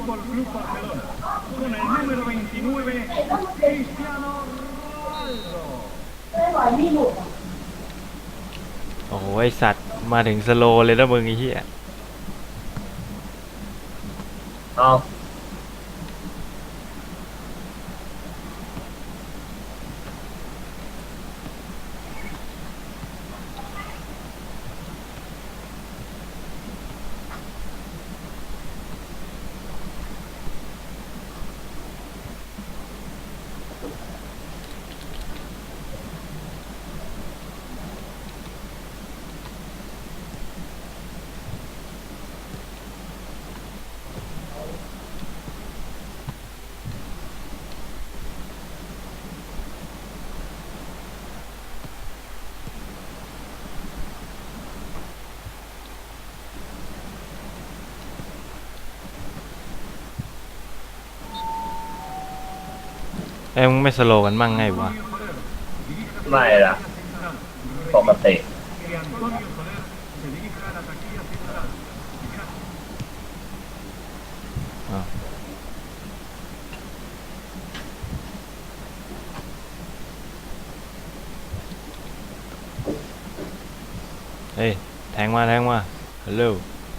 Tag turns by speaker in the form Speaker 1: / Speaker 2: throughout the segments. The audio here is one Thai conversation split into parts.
Speaker 1: Fútbol Club Barcelona, con el número 29, Cristiano Ronaldo.
Speaker 2: โอ้ยสัตว์มาถึงสโลเลยนะมึงไอ้เหี้ย
Speaker 3: เอา
Speaker 2: เอ้ยมึงไม่สโลกันมั่งไงวะ
Speaker 3: ไม่ละปกติ
Speaker 1: Que Antonio Soler se dirija a la taquilla central.
Speaker 2: อ้าวเฮ้ยแทงมาฮัลโหล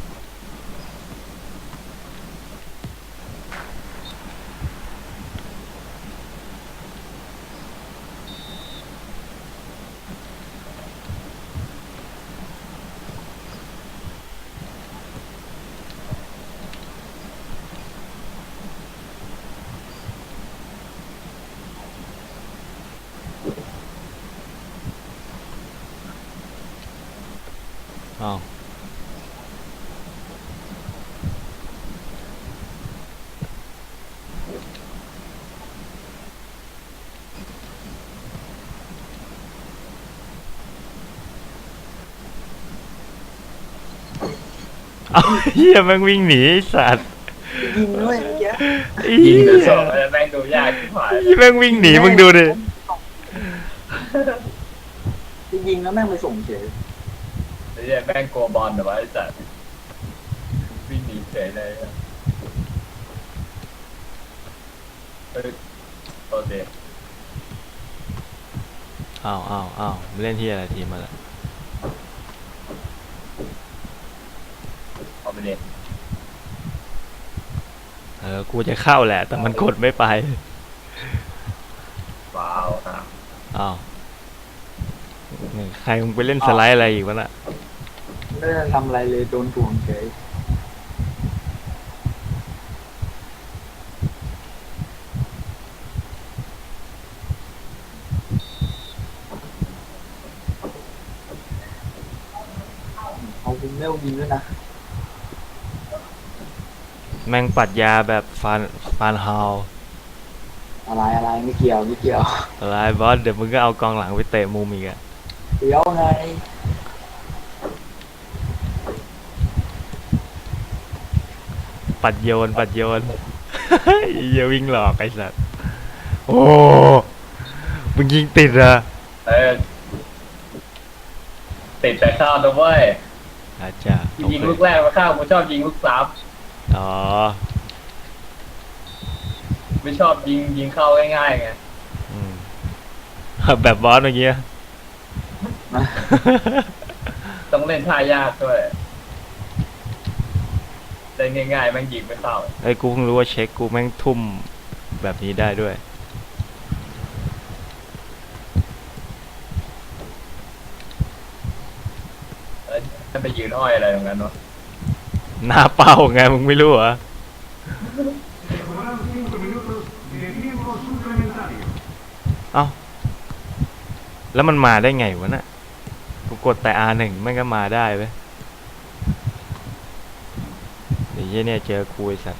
Speaker 2: อ้าวเอาเหี้ยแม่งวิ่งหนีไอ้สัตว์
Speaker 4: ยิงด้วยเมื่อกี้
Speaker 2: ไอ้
Speaker 3: ยิ
Speaker 2: เหี้
Speaker 3: ง
Speaker 2: ย
Speaker 3: จะสอบอะไรแม่งดูยากที่ผ่าน
Speaker 2: ไอ้แม่งวิ่งหนีมึงดูดิ
Speaker 4: จะยิงแล้วแม่งไปส่งเฉย
Speaker 3: ไอ้เหี้ยแม่งโกบอลแต่ว่าไอ้สัตว์วิ่งหนีเฉยเลยอะเฮ้ยโอเค
Speaker 2: อ้าวมึงเล่นที่อะไรทีมมาละ
Speaker 3: เอาไปเล่น
Speaker 2: กูจะเข้าแหละแต่มันกดไม่ไป
Speaker 3: ว้าวครับ
Speaker 2: อ้าวนี่ใครมึงไปเล่นสไลด์อะไรอีกวะน่ะ
Speaker 4: ไม่ได้ทำอะไรเลยโดนถ่วงเฉยเอาคุณเมลยิงด้วยนะ
Speaker 2: แม่งปัดยาแบบฟานฮาว
Speaker 4: อะไรไม่เกี่ยว
Speaker 2: อะไรบอสเดี๋ยวมึงก็เอากองหลังไปเตะมุมอีกอะ
Speaker 4: เดี๋ยวไง
Speaker 2: ปัดโยน อย่าวิ่งหลอกไอ้สัสโอ้มึงยิงติดอะ
Speaker 3: เออติดแต่ข้าวนะเว้ย
Speaker 2: อาจจะ
Speaker 3: ยิงลูกแรกมาข้าวกูชอบยิงลูกสาม
Speaker 2: อ๋อ
Speaker 3: ไม่ชอบยิงเข้าง่ายๆไง
Speaker 2: อืมแบบบอสเมื่อกี้
Speaker 3: ต้องเล่นท่ายากด้วยเล่นง่ายๆแม่งยิงไม่เข้า
Speaker 2: ไอ้ยกูเพิ่งรู้ว่าเช็คกูแม่งทุ่มแบบนี้ได้ด้วย
Speaker 3: แล้วจะไปยืนอ้อยอะไรตรงนั้นวะ
Speaker 2: หน้าเป้าไงมึงไม่รู้เหรอ
Speaker 1: Se jugarán 5 minutos de tiempo suplementario.
Speaker 2: เอ้าแล้วมันมาได้ไงวะน่ะกูกดแต่ R1แม่งก็มาได้เว้ยเดี๋ยวเหี้ยเนี่ยเจอกูไอ้สัส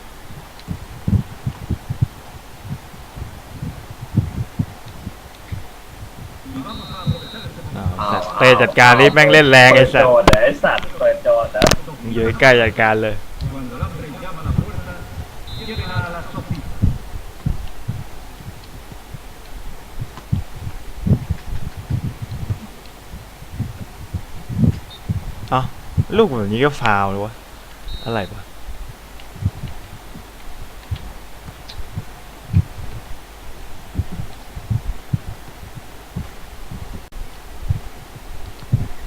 Speaker 2: สัตว์เตะจัดการนี่แม่งเล่นแรงไอ้สัต
Speaker 3: เปิด
Speaker 2: ว์
Speaker 3: โจทย์เหรอไอ้สัตว์เปิดโจทย์นะ
Speaker 2: มึงอยู่ใกล้จัดการเลย
Speaker 1: Cuando el hambre llama a la puerta, lleven a la sopita.
Speaker 2: เอ้าลูกแบบนี้ก็ฟาวเลยวะอะไรวะ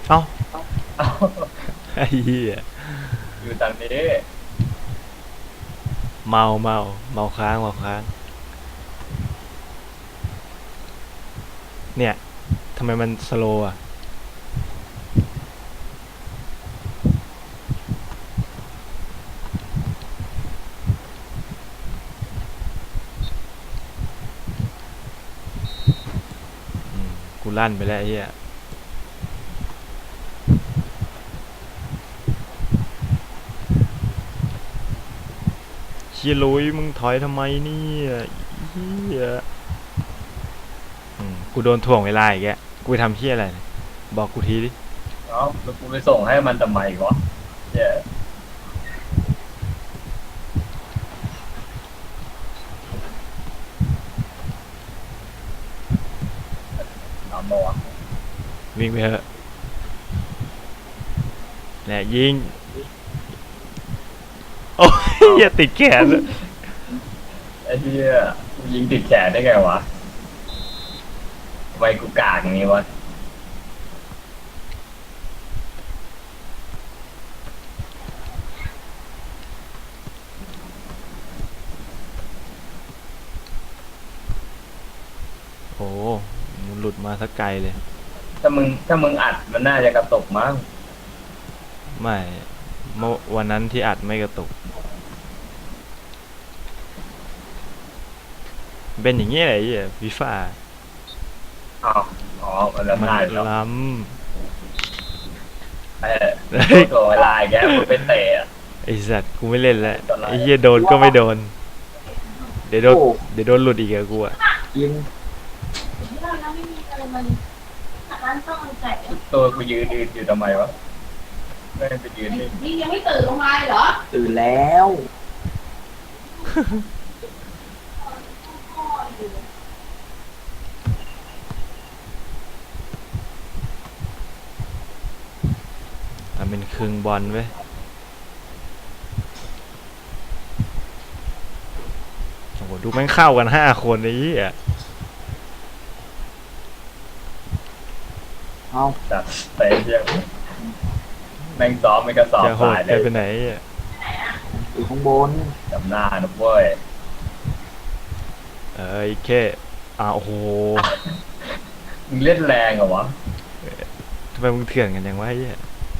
Speaker 2: เอ้า
Speaker 3: เอ้า
Speaker 2: ไอ้เหี้ย
Speaker 3: อยู่ทางนี้
Speaker 2: เมาเมาเมาค้างเมาค้างเนี่ยทำไมมันสโลว์อ่ะกูลั่นไปแล้วไอ้เหี้ยเชี่ยลุยมึงถอยทำไมเนี่ยเหี้ยกูโดนถ่วงเวลาอีกแกกูไปทำเหี้ยอะไรเนี่ยบอกกูทีดิ
Speaker 3: เอ้าแล้วกูไปส่งให้มันทำไมวะเย้ทำมาวะ
Speaker 2: วิ่งไปเถอะแหละยิงโอ้ยอย่าติดแขนเลย
Speaker 3: ไอ้เหี้ยกูยิงติดแขนได้ไงวะทำไมกูกากอย่างนี้วะ
Speaker 2: โอ้มันหลุดมาสักไกลเลย
Speaker 3: ถ้ามึงอัดมันน่าจะกระตกมั้ง
Speaker 2: ไม่เมื่อวันนั้นที่อัดไม่กระตุกเป็นอย่างเงี้ยไอ้เหี้ยฟีฟ่า
Speaker 3: อ้าวอ๋อมันละ
Speaker 2: มัน
Speaker 3: ลายแล้ว
Speaker 2: ล้
Speaker 3: ตัวเวลาอย่างเงี้ยมึงเป็นเตะอะ
Speaker 2: ำไอ้สัตว์กูไม่เล่นแล้วไอ้เหี้ยโดนก็ไม่โดน เดี๋ยวโดนเดี๋ยวโดนหลุดอีกอะกูอะ
Speaker 4: กิน
Speaker 5: เรายังไม่มีอะไรมันร้านต้องเอาไก่
Speaker 3: ตัวกูยืนอยู่ทำไมวะไม่ไปยืนนี่
Speaker 5: นี่ยังไม่ตื่นลงมาเหรอ
Speaker 4: ตื่นแล้ว
Speaker 2: ทำเป็นครึ่งบอลเว้ยโอ้โหดูแม่งเข้ากัน5 คนไอ้เหี้ย
Speaker 4: เอา
Speaker 3: จัดเตะเชียงแม่งซ้อมไม่กระสอบ
Speaker 2: จะโหด
Speaker 3: สายเล
Speaker 2: ได้
Speaker 3: ย
Speaker 2: ไปไหนอ่ะ
Speaker 4: อยู่ข้างบน
Speaker 3: จำหน้านะเว้ย
Speaker 2: เอ้ยแค่โอ้โห
Speaker 3: มึงเล่นแรงเหรอวะ
Speaker 2: ทำไมมึงเถื่อนกันจังวะไอ้เหี้ย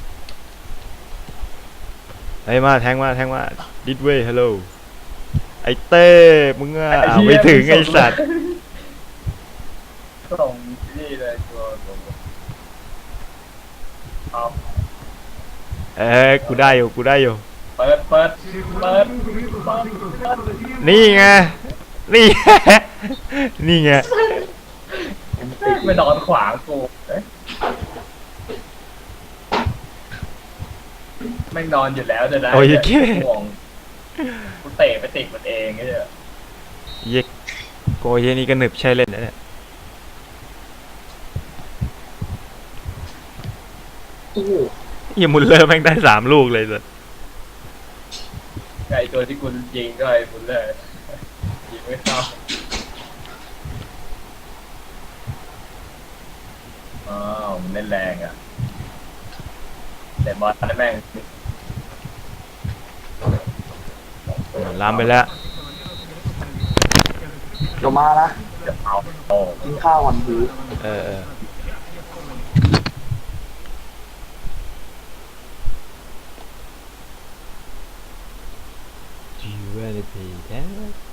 Speaker 2: ไอ้ยมาแทงมาดิดเว้ยฮัลโหลไอ้เต้มึงอ่ะไม่ถึงไอ้สัตว์
Speaker 3: ส่งนี่เลยตัวเอา
Speaker 2: กูได้อยู่
Speaker 3: เปิด
Speaker 2: นี่ไงนี่ นี่ไง
Speaker 3: ไม่นอนขวางกูเอ๊ะแม่งนอนอยู่แล้วจะได้
Speaker 2: โอ้ยแค่
Speaker 3: ห่วงกูเตะไปติดมันเองไอ้เนี่ย
Speaker 2: เย็กโกเยนี่ก็หนึบใช่เล่นนะเนี่ย
Speaker 4: โอ้โห
Speaker 2: เหี้ยมุลเลอร์แม่งได้3 ลูกเลยสัส
Speaker 3: ไอตัวที่คุณยิงก็ไอ้คุณเลยยิงไม่เข้าอ้าวมันเล่นแรงอ่ะแต่บอลนั่นแม่ง
Speaker 2: ลามไปแล้ว
Speaker 4: เดี๋ยวมานะ
Speaker 3: จะเอาโอ้
Speaker 4: กินข้าวก่อนดี
Speaker 2: เออDo you wanna be that?